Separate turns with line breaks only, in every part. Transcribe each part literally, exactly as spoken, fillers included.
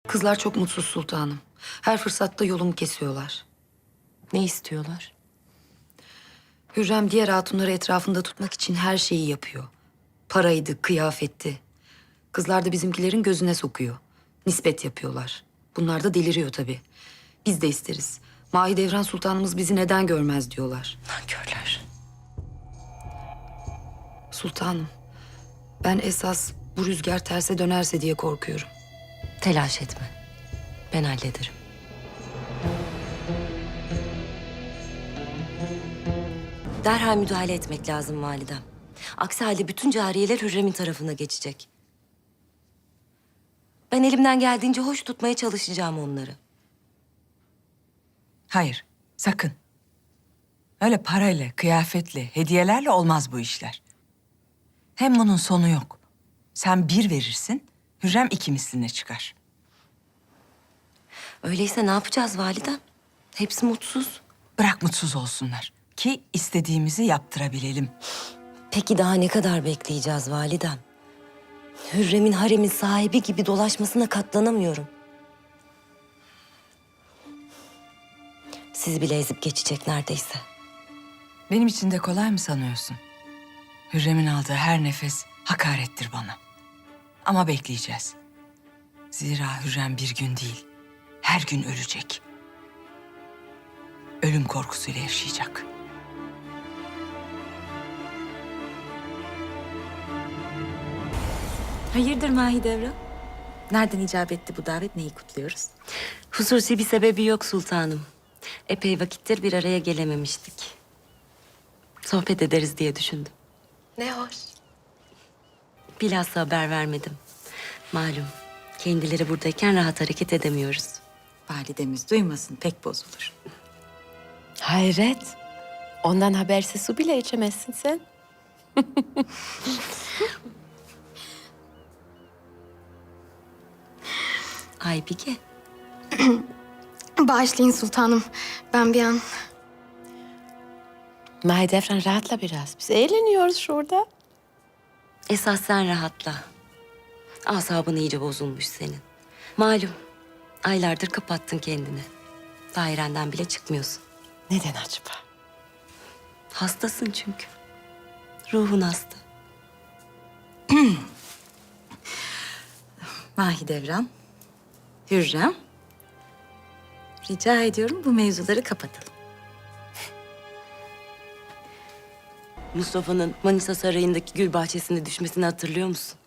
Kızlar çok mutsuz sultanım. Her fırsatta yolumu kesiyorlar.
Ne istiyorlar?
Hürrem diğer hatunları etrafında tutmak için her şeyi yapıyor. Paraydı, kıyafetti. Kızlar da bizimkilerin gözüne sokuyor. Nispet yapıyorlar. Bunlar da deliriyor tabii. Biz de isteriz. Mahidevran Sultanımız bizi neden görmez diyorlar.
Nankörler.
Sultanım, ben esas bu rüzgar terse dönerse diye korkuyorum.
Telaş etme. Ben hallederim. Derhal müdahale etmek lazım validem. Aksi halde bütün cariyeler Hürrem'in tarafına geçecek. Ben elimden geldiğince hoş tutmaya çalışacağım onları.
Hayır, sakın. Öyle parayla, kıyafetle, hediyelerle olmaz bu işler. Hem bunun sonu yok. Sen bir verirsin, Hürrem iki misline çıkar.
Öyleyse ne yapacağız validem? Hepsi mutsuz.
Bırak mutsuz olsunlar ki istediğimizi yaptırabilelim.
Peki daha ne kadar bekleyeceğiz validem? Hürrem'in haremin sahibi gibi dolaşmasına katlanamıyorum. Sizi bile ezip geçecek neredeyse.
Benim için de kolay mı sanıyorsun? Hürrem'in aldığı her nefes hakarettir bana. Ama bekleyeceğiz. Zira Hürrem bir gün değil, her gün ölecek. Ölüm korkusuyla yaşayacak.
Hayırdır Mahidevran? Nereden icap etti bu davet, neyi kutluyoruz?
Hususi bir sebebi yok sultanım. Epey vakittir bir araya gelememiştik. Sohbet ederiz diye düşündüm.
Ne hoş.
Bilhassa haber vermedim. Malum kendileri buradayken rahat hareket edemiyoruz.
Validemiz duymasın, pek bozulur.
Hayret. Ondan habersiz su bile içemezsin sen.
Aybike,
Bağışlayın sultanım. Ben bir an...
Mahidevran rahatla biraz. Biz eğleniyoruz şurada.
esas sen rahatla. Asabın iyice bozulmuş senin. Malum aylardır kapattın kendini. Dairenden bile çıkmıyorsun.
Neden acaba?
Hastasın çünkü. Ruhun hasta.
Mahidevran, Hürrem. Rica ediyorum bu mevzuları kapatalım.
Mustafa'nın Manisa Sarayı'ndaki gül bahçesinde düşmesini hatırlıyor musun?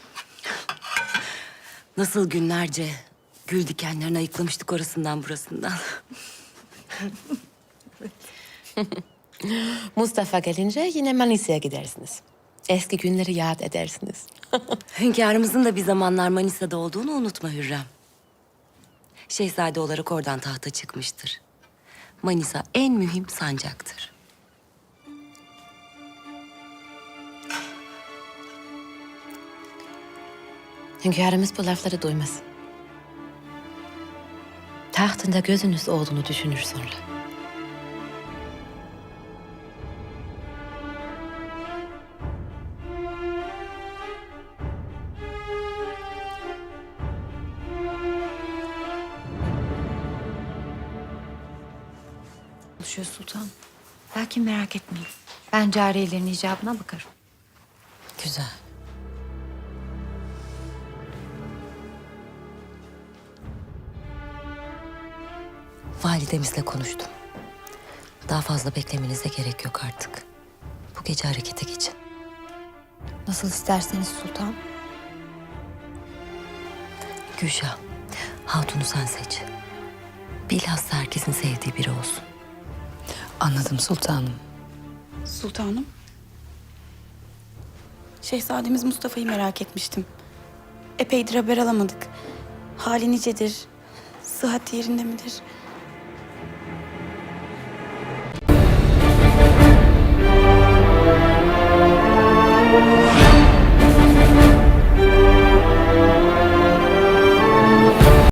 Nasıl günlerce gül dikenlerini ayıklamıştık orasından burasından.
Mustafa gelince yine Manisa'ya gidersiniz. Eski günleri yad edersiniz.
Hünkârımızın da bir zamanlar Manisa'da olduğunu unutma Hürrem. Şehzade olarak oradan tahta çıkmıştır. Manisa en mühim sancaktır.
Hünkârımız bu lafları duymaz. Tahtında gözünüz olduğunu düşünür sonra.
Konuşuyor sultan. Lakin merak etmeyin. Ben cariyelerin icabına bakarım.
Güzel. Validemizle konuştum. Daha fazla beklemenize gerek yok artık. Bu gece harekete geçin.
Nasıl isterseniz sultan.
Gülşah, hatunu sen seç. Bilhassa herkesin sevdiği biri olsun.
Anladım sultanım.
Sultanım. Şehzademiz Mustafa'yı merak etmiştim. Epeydir haber alamadık. Hali nicedir? Sıhhat yerinde midir?